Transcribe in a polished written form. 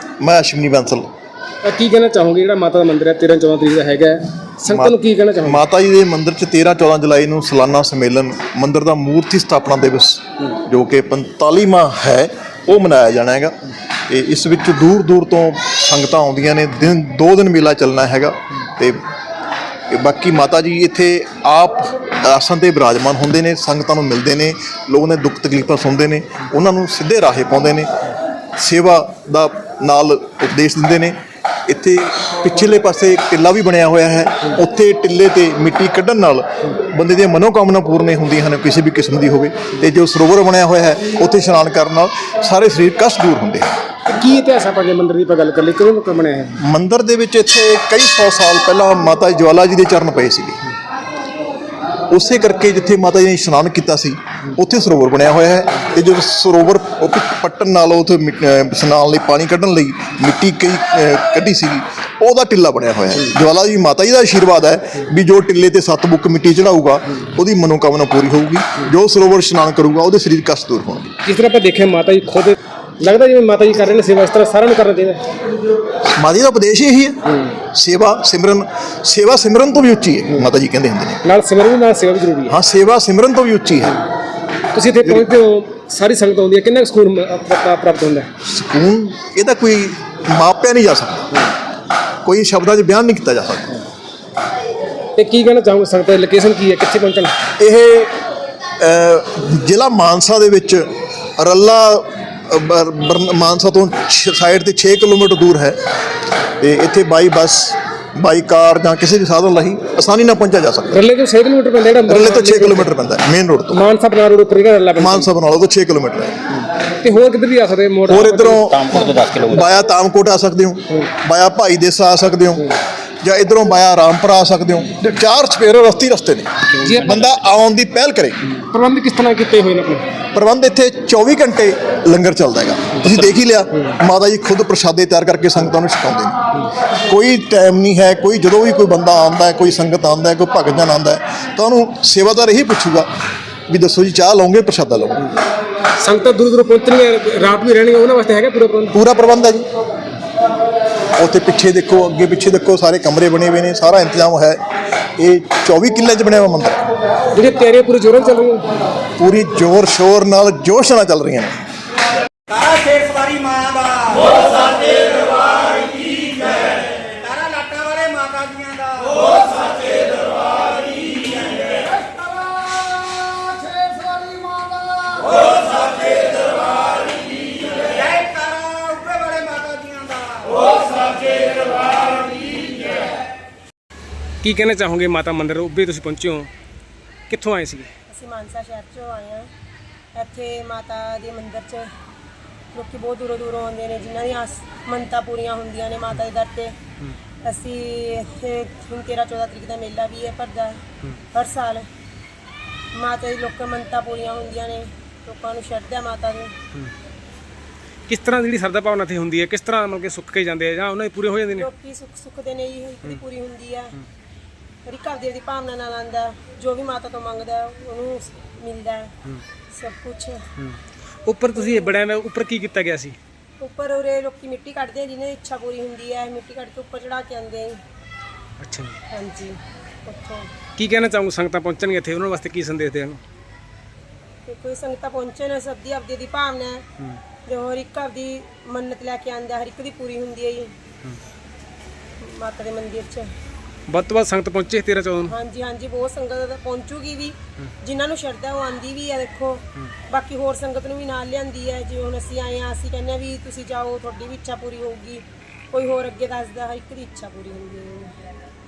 मैं अश्विनी बैंसल। ਕੀ ਕਹਿਣਾ ਚਾਹੋਗੇ ਜਿਹੜਾ ਮਾਤਾ ਦਾ ਮੰਦਿਰ ਹੈ 13-14 ਤਰੀਕ ਦਾ ਹੈਗਾ ਸੰਗਤਾਂ ਨੂੰ ਕੀ ਕਹਿਣਾ ਚਾਹੋਗੇ? ਮਾਤਾ ਜੀ ਦੇ ਮੰਦਿਰ 'ਚ 13-14 ਜੁਲਾਈ ਨੂੰ ਸਾਲਾਨਾ ਸੰਮੇਲਨ ਮੰਦਿਰ ਦਾ ਮੂਰਤੀ ਸਥਾਪਨਾ ਦਿਵਸ ਜੋ ਕਿ 45ਵਾਂ ਹੈ ਉਹ ਮਨਾਇਆ ਜਾਣਾ ਹੈਗਾ। ਤੇ ਇਸ ਵਿੱਚ ਦੂਰ ਦੂਰ ਤੋਂ ਸੰਗਤਾਂ ਆਉਂਦੀਆਂ ਨੇ। 2 ਦਿਨ ਮੇਲਾ ਚੱਲਣਾ ਹੈਗਾ। ਤੇ ਬਾਕੀ ਮਾਤਾ ਜੀ ਇੱਥੇ ਆਪ ਆਸਣ 'ਤੇ ਬਿਰਾਜਮਾਨ ਹੁੰਦੇ ਨੇ, ਸੰਗਤਾਂ ਨੂੰ ਮਿਲਦੇ ਨੇ, ਲੋਕਾਂ ਦੇ ਦੁੱਖ ਤਕਲੀਫਾਂ ਸੁਣਦੇ ਨੇ, ਉਹਨਾਂ ਨੂੰ ਸਿੱਧੇ ਰਾਹੇ ਪਾਉਂਦੇ ਨੇ, ਸੇਵਾ ਦਾ ਨਾਲ ਉਪਦੇਸ਼ ਦਿੰਦੇ ਨੇ। ਇੱਥੇ ਪਿਛਲੇ ਪਾਸੇ ਟਿੱਲਾ ਵੀ ਬਣਿਆ ਹੋਇਆ ਹੈ। ਉੱਥੇ ਟਿੱਲੇ 'ਤੇ ਮਿੱਟੀ ਕੱਢਣ ਨਾਲ ਬੰਦੇ ਦੀਆਂ ਮਨੋਕਾਮਨਾ ਪੂਰਨ ਹੁੰਦੀਆਂ ਹਨ, ਕਿਸੇ ਵੀ ਕਿਸਮ ਦੀ ਹੋਵੇ। ਅਤੇ ਜੋ ਸਰੋਵਰ ਬਣਿਆ ਹੋਇਆ ਹੈ ਉੱਥੇ ਇਸ਼ਨਾਨ ਕਰਨ ਨਾਲ ਸਾਰੇ ਸਰੀਰ ਕਸ਼ਟ ਦੂਰ ਹੁੰਦੇ ਹਨ। ਕੀ ਇਤਿਹਾਸ ਆਪਾਂ ਜੇ ਮੰਦਿਰ ਦੀ ਆਪਾਂ ਗੱਲ ਕਰ ਲਈ, ਕਿਉਂ ਬਣਿਆ ਹੈ ਮੰਦਿਰ ਦੇ ਵਿੱਚ? ਇੱਥੇ ਕਈ 100 ਸਾਲ ਪਹਿਲਾਂ ਮਾਤਾ ਜਵਾਲਾ ਜੀ ਦੇ ਚਰਨ ਪਏ ਸੀਗੇ। ਉਸੇ ਕਰਕੇ ਜਿੱਥੇ ਮਾਤਾ ਜੀ ਨੇ ਇਸ਼ਨਾਨ ਕੀਤਾ ਸੀ ਉੱਥੇ ਸਰੋਵਰ ਬਣਿਆ ਹੋਇਆ ਹੈ। ਅਤੇ ਜਦੋਂ ਸਰੋਵਰ ਪੱਟਣ ਨਾਲ ਉੱਥੇ ਇਸ਼ਨਾਨ ਲਈ ਪਾਣੀ ਕੱਢਣ ਲਈ ਮਿੱਟੀ ਕਈ ਕੱਢੀ ਸੀਗੀ, ਉਹਦਾ ਟਿੱਲਾ ਬਣਿਆ ਹੋਇਆ ਹੈ। ਜਵਾਲਾ ਜੀ ਮਾਤਾ ਜੀ ਦਾ ਆਸ਼ੀਰਵਾਦ ਹੈ ਵੀ ਜੋ ਟਿੱਲੇ 'ਤੇ 7 ਬੁੱਕ ਮਿੱਟੀ ਚੜਾਊਗਾ ਉਹਦੀ ਮਨੋਕਾਮਨਾ ਪੂਰੀ ਹੋਊਗੀ। ਜੋ ਸਰੋਵਰ ਇਸ਼ਨਾਨ ਕਰੂਗਾ ਉਹਦੇ ਸਰੀਰ ਕਸ਼ਟ ਦੂਰ ਹੋਣਗੇ। ਜਿਸ ਤਰ੍ਹਾਂ ਆਪਾਂ ਦੇਖਿਆ ਮਾਤਾ ਜੀ ਖੁਦ ਲੱਗਦਾ ਜਿਵੇਂ ਮਾਤਾ ਜੀ ਕਰ ਰਹੇ ਨੇ ਸੇਵਾ, ਇਸ ਤਰ੍ਹਾਂ ਸਾਰਿਆਂ ਨੂੰ ਕਰਨਾ ਚਾਹੀਦਾ। ਮਾਤਾ ਜੀ ਦਾ ਉਪਦੇਸ਼ ਇਹੀ ਹੈ, ਸੇਵਾ ਸਿਮਰਨ ਤੋਂ ਵੀ ਉੱਚੀ ਹੈ। ਮਾਤਾ ਜੀ ਕਹਿੰਦੇ ਹੁੰਦੇ ਨੇ ਨਾਲ ਸਿਮਰਨ ਨਾਲ ਸੇਵਾ ਵੀ ਜ਼ਰੂਰੀ ਹੈ। ਹਾਂ, ਸੇਵਾ ਸਿਮਰਨ ਤੋਂ ਵੀ ਉੱਚੀ ਹੈ। ਤੁਸੀਂ ਇੱਥੇ ਪਹੁੰਚਦੇ ਹੋ, ਸਾਰੀ ਸੰਗਤ ਆਉਂਦੀ ਹੈ, ਕਿੰਨਾ ਸਕੂਨ ਪ੍ਰਾਪਤ ਹੁੰਦਾ? ਸਕੂਨ ਇਹਦਾ ਕੋਈ ਮਾਪਿਆ ਨਹੀਂ ਜਾ ਸਕਦਾ, ਕੋਈ ਸ਼ਬਦਾਂ 'ਚ ਬਿਆਨ ਨਹੀਂ ਕੀਤਾ ਜਾ ਸਕਦਾ। ਤੇ ਕੀ ਕਹਿਣਾ ਚਾਹੋਗੇ ਸੰਗਤ ਦੀ ਲੋਕੇਸ਼ਨ ਕੀ ਹੈ, ਕਿੱਥੇ ਪਹੁੰਚਣਾ? ਇਹ ਜ਼ਿਲ੍ਹਾ ਮਾਨਸਾ ਦੇ ਵਿੱਚ ਰੱਲਾ ਮਾਨਸਾ ਤੋਂ ਸਾਈਡ 'ਤੇ 6 ਕਿਲੋਮੀਟਰ ਦੂਰ ਹੈ। ਅਤੇ ਇੱਥੇ ਬਾਈ ਬੱਸ, ਬਾਈ ਕਾਰ ਜਾਂ ਕਿਸੇ ਵੀ ਸਾਧਨ ਰਾਹੀਂ ਆਸਾਨੀ ਨਾਲ ਪਹੁੰਚਿਆ ਜਾ ਸਕਦਾ। ਰੱਲੇ ਤੋਂ 6 ਕਿਲੋਮੀਟਰ ਪੈਂਦਾ, ਜਿਹੜਾ ਰੱਲੇ ਤੋਂ 6 ਕਿਲੋਮੀਟਰ ਪੈਂਦਾ ਮੇਨ ਰੋਡ ਤੋਂ। ਮਾਨਸਾ ਬਣਾ ਰੋਡ ਉੱਪਰ ਜਿਹੜਾ ਰੱਲਾ ਪੈਂਦਾ, ਮਾਨਸਾ ਬਣਾ ਲਓ ਤੋਂ 6 ਕਿਲੋਮੀਟਰ ਹੈ। ਤੇ ਹੋਰ ਕਿੱਧਰ ਵੀ ਆ ਸਕਦੇ ਮੋੜ? ਹੋਰ ਇੱਧਰੋਂ ਬਾਇਆ ਤਾਮਕੋਟ ਆ ਸਕਦੇ ਹੋ, ਬਾਇਆ ਭਾਈ ਦੇਸਾ ਆ ਸਕਦੇ ਹੋ, ਜਾਂ ਇੱਧਰੋਂ ਬਾਇਆ ਰਾਮਪੁਰਾ ਆ ਸਕਦੇ ਹੋ। 4 ਚੁਫੇਰੇ ਰਸਤੇ ਨੇ, ਬੰਦਾ ਆਉਣ ਦੀ ਪਹਿਲ ਕਰੇ। ਪ੍ਰਬੰਧ ਕਿਸ ਤਰ੍ਹਾਂ ਕੀਤੇ ਹੋਏ ਨੇ ਆਪਣੇ? ਪ੍ਰਬੰਧ ਇੱਥੇ 24 ਘੰਟੇ ਲੰਗਰ ਚੱਲਦਾ ਹੈਗਾ। ਤੁਸੀਂ ਦੇਖ ਹੀ ਲਿਆ, ਮਾਤਾ ਜੀ ਖੁਦ ਪ੍ਰਸ਼ਾਦੇ ਤਿਆਰ ਕਰਕੇ ਸੰਗਤਾਂ ਨੂੰ ਛਕਾਉਂਦੇ ਨੇ। ਕੋਈ ਟਾਈਮ ਨਹੀਂ ਹੈ, ਕੋਈ ਜਦੋਂ ਵੀ ਕੋਈ ਬੰਦਾ ਆਉਂਦਾ ਹੈ, ਕੋਈ ਸੰਗਤ ਆਉਂਦਾ ਹੈ, ਕੋਈ ਭਗਤ ਜਨ ਆਉਂਦਾ ਹੈ, ਤਾਂ ਉਹਨੂੰ ਸੇਵਾਦਾਰ ਇਹੀ ਪੁੱਛੂਗਾ ਵੀ ਦੱਸੋ ਜੀ ਚਾਹ ਲਓਗੇ, ਪ੍ਰਸ਼ਾਦਾ ਲਓਗੇ। ਸੰਗਤਾਂ ਦੂਰ ਦੂਰ ਪਹੁੰਚਣਗੀਆਂ, ਰਾਤ ਵੀ ਰਹਿਣਗੀਆਂ, ਉਹਨਾਂ ਵਾਸਤੇ ਹੈਗਾ ਪੂਰਾ ਪ੍ਰਬੰਧ? ਪੂਰਾ ਪ੍ਰਬੰਧ ਹੈ ਜੀ। ਉੱਥੇ ਪਿੱਛੇ ਦੇਖੋ, ਅੱਗੇ ਪਿੱਛੇ ਦੇਖੋ, ਸਾਰੇ ਕਮਰੇ ਬਣੇ ਹੋਏ ਨੇ, ਸਾਰਾ ਇੰਤਜ਼ਾਮ ਹੈ। ਇਹ 24 ਕਿੱਲੇ 'ਚ ਬਣਿਆ ਹੋਇਆ ਮੰਦਿਰ। ਜਿਹੜੀਆਂ ਤਿਆਰੀਆਂ ਪੂਰੀ ਜ਼ੋਰਾਂ ਚੱਲ ਰਹੀਆਂ? ਪੂਰੀ ਜ਼ੋਰ ਸ਼ੋਰ ਨਾਲ, ਜੋਸ਼ ਨਾਲ ਚੱਲ ਰਹੀਆਂ ਨੇ। ਤਾਰਾ ਸ਼ੇਰ ਸਵਾਰੀ ਮਾਂ ਦਾ ਬੋਲ ਸਾਚੇ ਦਰਬਾਰ ਕੀ ਜੈ। ਤਾਰਾ ਲਾਟਾਂ ਵਾਲੇ ਮਾਤਾ ਜੀਆਂ ਦਾ ਬੋਲ ਸਾਚੇ ਦਰਬਾਰ ਕੀ ਜੈ। ਤਾਰਾ ਸ਼ੇਰ ਸਵਾਰੀ ਮਾਂ ਦਾ ਬੋਲ ਸਾਚੇ ਦਰਬਾਰ ਕੀ ਜੈ। ਜੈ ਤਾਰਾ ਉੱਪਰ ਵਾਲੇ ਮਾਤਾ ਜੀਆਂ ਦਾ ਬੋਲ ਸਾਚੇ ਦਰਬਾਰ ਕੀ ਜੈ। ਕੀ ਕਹਿਣਾ ਚਾਹੋਗੇ ਮਾਤਾ ਮੰਦਿਰ ਉੱਭੇ ਤੁਸੀਂ ਪਹੁੰਚੇ ਹੋ, ਕਿੱਥੋਂ ਆਏ ਸੀਗੇ? ਅਸੀਂ ਮਾਨਸਾ ਸ਼ਹਿਰ 'ਚੋਂ ਆਏ ਹਾਂ। ਇੱਥੇ ਮਾਤਾ ਦੇ ਮੰਦਿਰ 'ਚ ਲੋਕੀ ਬਹੁਤ ਦੂਰੋਂ ਆਉਂਦੇ ਨੇ, ਜਿਨ੍ਹਾਂ ਦੀਆਂ ਮੰਨਤਾਂ ਪੂਰੀਆਂ ਹੁੰਦੀਆਂ ਨੇ ਮਾਤਾ ਦੇ ਦਰ 'ਤੇ। ਅਸੀਂ ਇੱਥੇ ਹੁਣ 13-14 ਤਰੀਕ ਦਾ ਮੇਲਾ ਵੀ ਹੈ ਭਰਦਾ ਹਰ ਸਾਲ। ਮਾਤਾ ਦੀ ਲੋਕਾਂ ਮੰਨਤਾਂ ਪੂਰੀਆਂ ਹੁੰਦੀਆਂ ਨੇ, ਲੋਕਾਂ ਨੂੰ ਸ਼ਰਧਾ ਮਾਤਾ ਦੀ। ਕਿਸ ਤਰ੍ਹਾਂ ਜਿਹੜੀ ਸਰਦਾ ਭਾਵਨਾ ਇੱਥੇ ਹੁੰਦੀ ਹੈ, ਕਿਸ ਤਰ੍ਹਾਂ ਮਤਲਬ ਕਿ ਸੁੱਕ ਕੇ ਜਾਂਦੇ ਆ ਜਾਂ ਉਹਨਾਂ ਦੇ ਪੂਰੇ ਹੋ ਜਾਂਦੇ ਨੇ? ਲੋਕੀ ਸੁੱਖਦੇ ਨੇ ਜੀ, ਇੱਕ ਦੀ ਪੂਰੀ ਹੁੰਦੀ ਹੈ। ਹਰ ਇੱਕ ਘਰ ਦੀ ਭਾਵਨਾ ਨਾਲ ਆਉਂਦਾ, ਜੋ ਵੀ ਮਾਤਾ ਤੋਂ ਮੰਗਦਾ ਉਹਨੂੰ ਮਿਲਦਾ ਹੈ ਸਭ ਕੁਛ। ਉੱਪਰ ਤੁਸੀਂ ਬੜਿਆਂ ਦਾ ਉੱਪਰ ਕੀ ਕੀਤਾ ਗਿਆ ਸੀ? ਉੱਪਰ ਉਰੇ ਲੋਕੀ ਮਿੱਟੀ ਕੱਢਦੇ, ਜਿਹਨਾਂ ਦੀ ਇੱਛਾ ਪੂਰੀ ਹੁੰਦੀ ਹੈ, ਮਿੱਟੀ ਕੱਢ ਕੇ ਉੱਪਰ ਚੜਾ ਕੇ ਆਉਂਦੇ। ਅੱਛਾ ਜੀ। ਹਾਂਜੀ। ਉੱਥੋਂ ਕੀ ਕਹਿਣਾ ਚਾਹੂੰਗਾ ਸੰਗਤਾਂ ਪਹੁੰਚਣਗੇ ਇੱਥੇ, ਉਹਨਾਂ ਵਾਸਤੇ ਕੀ ਸੰਦੇਸ਼ ਦੇਣ? ਤੇ ਕੋਈ ਸੰਗਤਾਂ ਪਹੁੰਚਣ, ਸਭ ਦੀ ਆਪਦੀ ਦੀ ਭਾਵਨਾ ਹੈ, ਜੋ ਹਰ ਇੱਕ ਆਪਦੀ ਮੰਨਤ ਲੈ ਕੇ ਆਉਂਦਾ, ਹਰ ਇੱਕ ਦੀ ਪੂਰੀ ਹੁੰਦੀ ਹੈ ਜੀ ਮਾਤਾ ਦੇ ਮੰਦਿਰ 'ਚ। ਵੱਧ ਤੋਂ ਵੱਧ ਸੰਗਤ ਪਹੁੰਚੇ 13-14 ਨੂੰ? ਹਾਂਜੀ, ਬਹੁਤ ਸੰਗਤ ਪਹੁੰਚੂਗੀ ਵੀ, ਜਿਨ੍ਹਾਂ ਨੂੰ ਸ਼ਰਧਾ ਉਹ ਆਉਂਦੀ ਵੀ ਹੈ। ਦੇਖੋ ਬਾਕੀ ਹੋਰ ਸੰਗਤ ਨੂੰ ਵੀ ਨਾਲ ਲਿਆਂਦੀ ਹੈ। ਜਿਵੇਂ ਹੁਣ ਅਸੀਂ ਆਏ ਹਾਂ, ਅਸੀਂ ਕਹਿੰਦੇ ਹਾਂ ਵੀ ਤੁਸੀਂ ਜਾਓ, ਤੁਹਾਡੀ ਵੀ ਇੱਛਾ ਪੂਰੀ ਹੋਊਗੀ। ਕੋਈ ਹੋਰ ਅੱਗੇ ਦੱਸਦਾ, ਹਰ ਇੱਕ ਦੀ ਇੱਛਾ ਪੂਰੀ ਹੁੰਦੀ ਹੈ।